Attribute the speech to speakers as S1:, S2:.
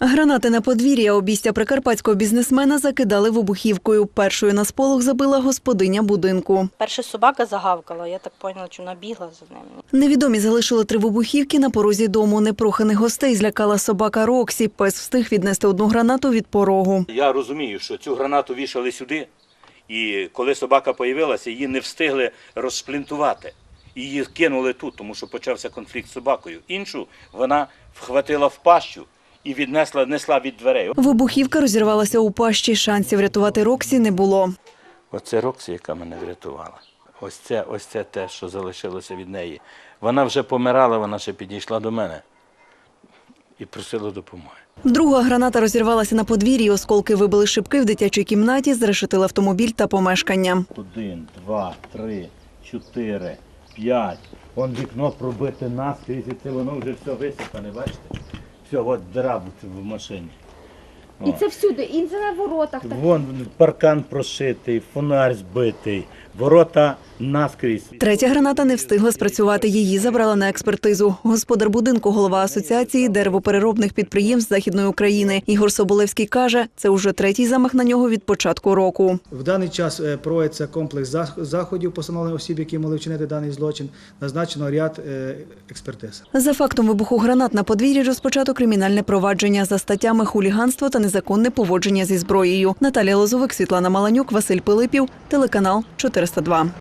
S1: Гранати на подвір'я обійстя прикарпатського бізнесмена закидали вибухівкою. Першою на сполох забила господиня будинку.
S2: Перша собака загавкала, я так поняла, що вона бігла за ними.
S1: Невідомі залишили 3 вибухівки на порозі дому. Непроханих гостей злякала собака Роксі. Пес встиг віднести 1 гранату від порогу.
S3: Я розумію, що цю гранату вішали сюди, і коли собака з'явилася, її не встигли розшплінтувати. Її кинули тут, тому що почався конфлікт з собакою. Іншу вона вхватила в пащу і несла від дверей.
S1: Вибухівка розірвалася у пащі. Шансів рятувати Роксі не було.
S3: Оце Роксі, яка мене врятувала. Ось це те, що залишилося від неї. Вона вже помирала, вона ще підійшла до мене і просила допомоги.
S1: Друга граната розірвалася на подвір'ї. Осколки вибили шибки в дитячій кімнаті, зрешетили автомобіль та помешкання.
S3: 1, 2, 3, 4, 5. Вон вікно пробите наскрізь, і це воно вже все висипане, бачите? Все, от дира в машині.
S4: І це всюди, і це на воротах. Так.
S3: Вон паркан прошитий, фонарь збитий, ворота наскрізь.
S1: Третя граната не встигла спрацювати. Її забрала на експертизу. Господар будинку, голова Асоціації деревопереробних підприємств Західної України. Ігор Соболевський каже, це вже 3-й замах на нього від початку року.
S5: В даний час проводиться комплекс заходів по встановленню осіб, які могли вчинити даний злочин. Назначено ряд експертиз.
S1: За фактом вибуху гранат на подвір'ї розпочато кримінальне провадження за статтями хуліганство та незаконне поводження зі зброєю. Наталія Лозовик, Світлана Маланюк, Василь Пилипів, телеканал 402.